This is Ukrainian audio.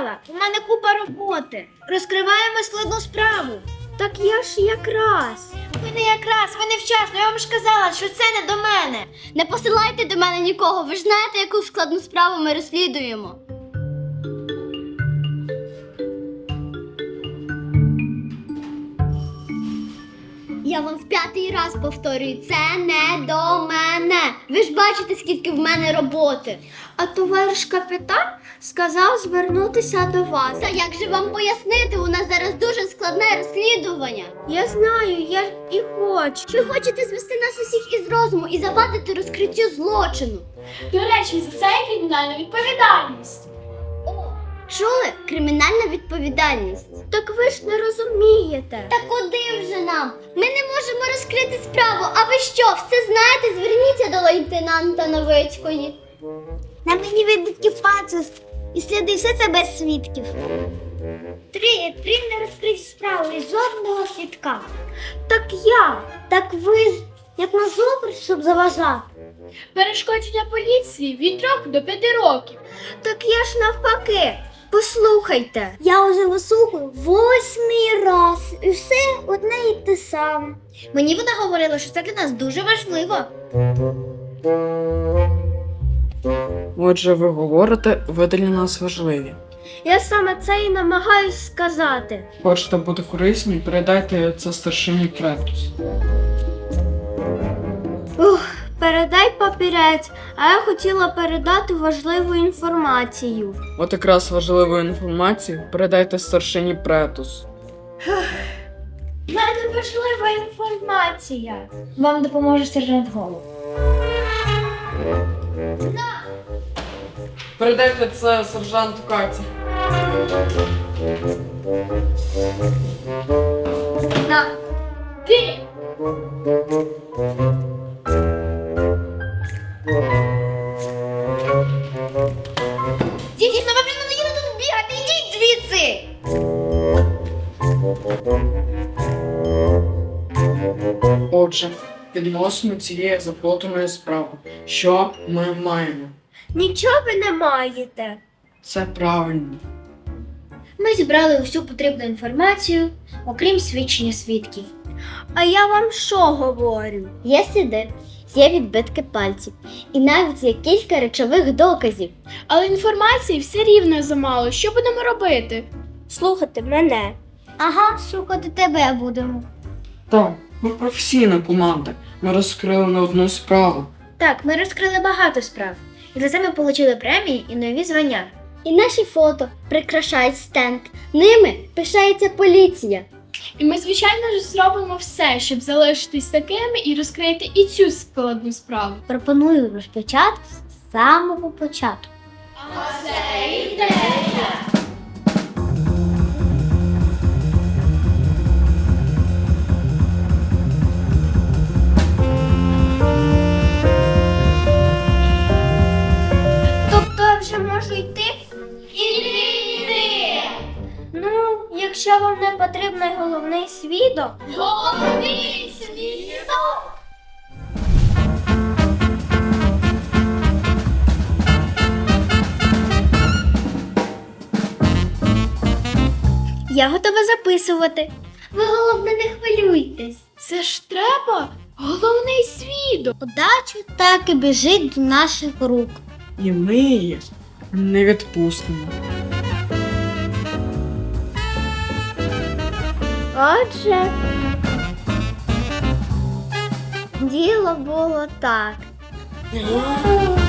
сказала, у мене купа роботи. Розкриваємо складну справу. Так я ж якраз. Ви не якраз, ви невчасно. Я вам ж казала, що це не до мене. Не посилайте до мене нікого, ви ж знаєте, яку складну справу ми розслідуємо. Я вам в 5-й раз повторюю, це не до мене. Ви ж бачите, скільки в мене роботи. А товариш капітан сказав звернутися до вас. Та як же вам пояснити? У нас зараз дуже складне розслідування. Я знаю, я і хочу. Ви хочете звести нас усіх із розуму і завадити розкриттю злочину. До речі, за це є кримінальна відповідальність. Чули? Кримінальна відповідальність. Так ви ж не розумієте. Та куди вже нам? Ми не можемо розкрити справу. А ви що, все знаєте? Зверніться до лейтенанта Новицької. На мені видатки пацус. І сліди все це без свідків. Три не розкриті справи і жодного свідка. Так я. Так ви ж, як на зубр, щоб заважати. Перешкодження поліції від 3 до 5 років. Так я ж навпаки. Послухайте. Я уже вислухаю 8-й раз. І все одне і те саме. Мені вона говорила, що це для нас дуже важливо. Отже, ви говорите, ви для нас важливі. Я саме це і намагаюсь сказати. Хочете бути корисні, передайте це старшині Претус. Передай папірець, а я хотіла передати важливу інформацію. От якраз важливу інформацію передайте старшині Претус. У мене важлива інформація. Вам допоможе сержант Голуб. Передайте це сержанту Каті. На. Ти! Дівчина, ви вже надоїли тут бігати, ідіть звідси! Отже, відносно цієї заплутаної справи, що ми маємо? Нічого ви не маєте. Це правильно. Ми зібрали усю потрібну інформацію, окрім свідчення свідків. А я вам що говорю? Є сліди, є відбитки пальців і навіть є кілька речових доказів. Але інформації все рівно замало. Що будемо робити? Слухайте мене. Ага, слухати тебе будемо. Так, ми професійна команда. Ми розкрили не одну справу. Так, ми розкрили багато справ. І за це ми отримали премії і нові звання. І наші фото прикрашають стенд. Ними пишається поліція. І ми, звичайно ж, зробимо все, щоб залишитись такими і розкрити і цю складну справу. Пропоную розпочати з самого початку. А це ідея! Тобто я вже можу йти? Іди! Ну, якщо вам не потрібний головний свідок. Головний свідок! Я готова записувати. Ви, головне, не хвилюйтесь. Це ж треба головний свідок. Удача так і біжить до наших рук. І ми її не відпустимо. Отже, діло було так.